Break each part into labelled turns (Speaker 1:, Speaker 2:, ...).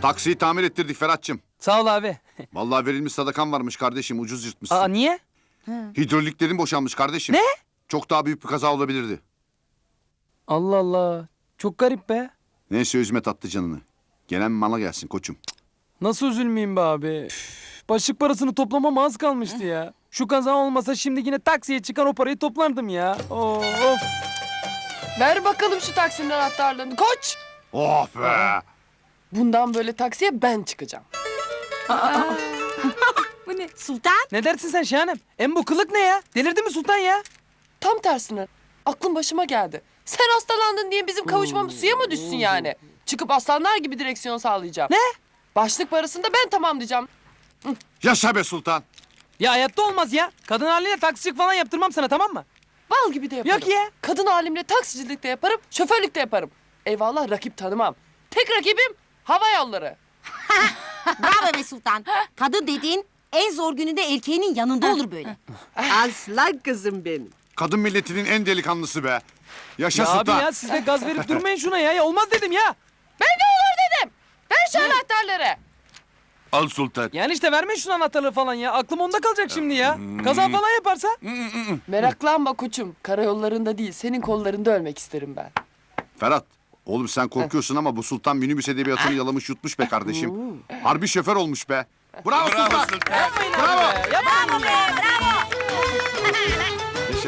Speaker 1: Taksiyi tamir ettirdik Ferhat'cığım.
Speaker 2: Sağ ol abi.
Speaker 1: Vallahi verilmiş sadakan varmış kardeşim, ucuz yırtmışsın.
Speaker 2: Aa niye?
Speaker 1: Hidroliklerin boşanmış kardeşim.
Speaker 2: Ne?
Speaker 1: Çok daha büyük bir kaza olabilirdi.
Speaker 2: Allah Allah. Çok garip be.
Speaker 1: Neyse üzme tatlı canını. Gelen mala gelsin koçum.
Speaker 2: Nasıl üzülmeyeyim be abi? Üf, başlık parasını toplamama az kalmıştı ya. Şu kaza olmasa şimdi yine taksiye çıkan o parayı toplardım ya. Of.
Speaker 3: Ver bakalım şu taksinin anahtarlarını. Koç!
Speaker 1: Oh be!
Speaker 3: Bundan böyle taksiye ben çıkacağım.
Speaker 4: Bu ne? Sultan?
Speaker 2: Ne dersin sen Şahanem? Bu kılık ne ya? Delirdi mi Sultan ya?
Speaker 3: Tam tersine. Aklım başıma geldi. Sen hastalandın diye bizim kavuşmamız suya mı düşsün yani? Çıkıp aslanlar gibi direksiyon sağlayacağım.
Speaker 2: Ne?
Speaker 3: Başlık parasını da ben tamamlayacağım.
Speaker 1: Yaşa be sultan!
Speaker 2: Ya hayatta olmaz ya. Kadın haline taksicilik falan yaptırmam sana, tamam mı?
Speaker 3: Bal gibi de yaparım.
Speaker 2: Yok ya.
Speaker 3: Kadın halimle taksicilik de yaparım, şoförlük de yaparım. Eyvallah rakip tanımam. Tek rakibim hava yolları.
Speaker 4: Bravo be Sultan. Kadın dediğin en zor gününde erkeğinin yanında olur böyle.
Speaker 5: Aslan kızım benim.
Speaker 1: Kadın milletinin en delikanlısı be. Yaşa
Speaker 2: Ya abi
Speaker 1: sultan!
Speaker 2: ya siz de gaz verip durmayın şuna ya. Ya olmaz dedim ya.
Speaker 3: Ben de olur dedim. Ver şu anahtarları.
Speaker 1: Al sultan.
Speaker 2: Yani işte vermeyin şunu anahtarlığı falan ya. Aklım onda kalacak şimdi ya. Kaza falan yaparsa.
Speaker 3: Meraklanma koçum. Karayollarında değil, senin kollarında ölmek isterim ben.
Speaker 1: Ferhat, oğlum sen korkuyorsun ama bu sultan minibüs edebiyatını yalamış yutmuş be kardeşim. Harbi şoför olmuş be. Bravo, sultan!
Speaker 2: Yapmayın
Speaker 1: Bravo!
Speaker 2: abi be. Yapmayın ya.
Speaker 1: Yaşa.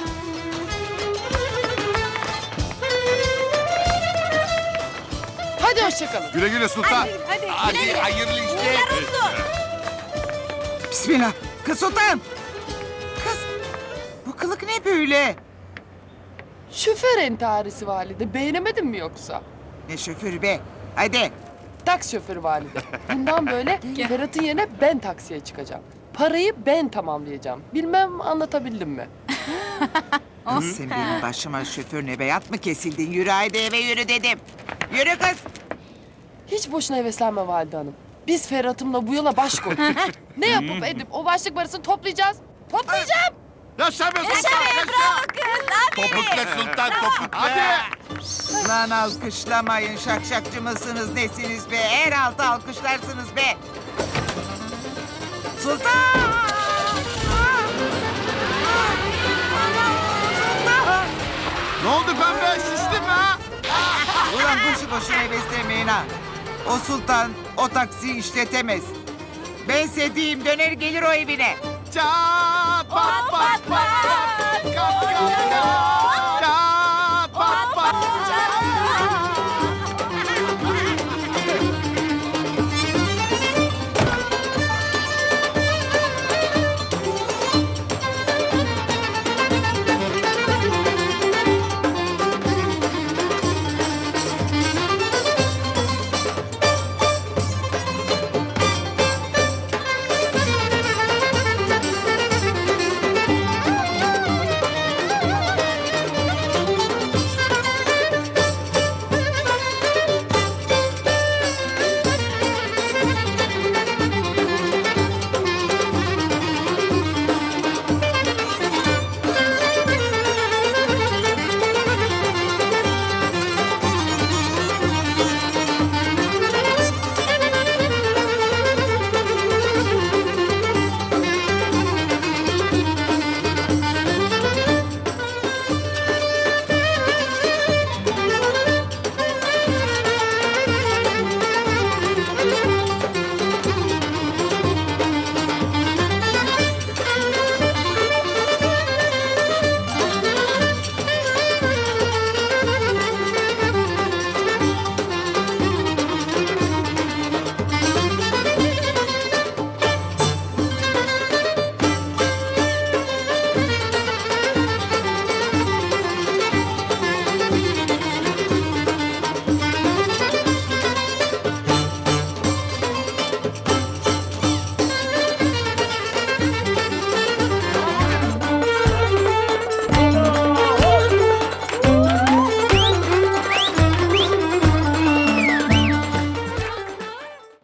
Speaker 3: Hadi hoşçakalın.
Speaker 1: Güle güle sultan.
Speaker 4: Hadi
Speaker 1: hayırlı işler.
Speaker 5: Bismillah. Kız sultan. Kız. Bu kılık ne böyle?
Speaker 3: Şoför entarisi valide. Beğenemedin mi yoksa?
Speaker 5: Ne şoförü be. Hadi.
Speaker 3: Taksi şoförü valide. Bundan böyle Ferhat'ın yerine ben taksiye çıkacağım. Parayı ben tamamlayacağım. Bilmem anlatabildim mi?
Speaker 5: Kız sen benim başıma şoför nebeyat mı kesildin? Yürü haydi eve yürü dedim. Yürü kız.
Speaker 3: Hiç boşuna heveslenme valide hanım. Biz Ferhat'ımla bu yola baş koyduk. Ne yapıp edip o başlık parasını toplayacağız. Toplayacağım.
Speaker 1: Yaşa be sultan! Topukla sultan, topukla! Hadi!
Speaker 5: Lan alkışlamayın. Şakşakçı mısınız nesiniz be? Her altı alkışlarsınız be. Sultan! Sultan!
Speaker 1: Ne oldu pembe? Şiştin mi ha?
Speaker 5: Ulan boşu boşuna heveslemeyin ha. O sultan o taksiyi işletemez. Ben sediyim döner gelir o evine.
Speaker 1: Çat pat pat pat! Kap kap kap!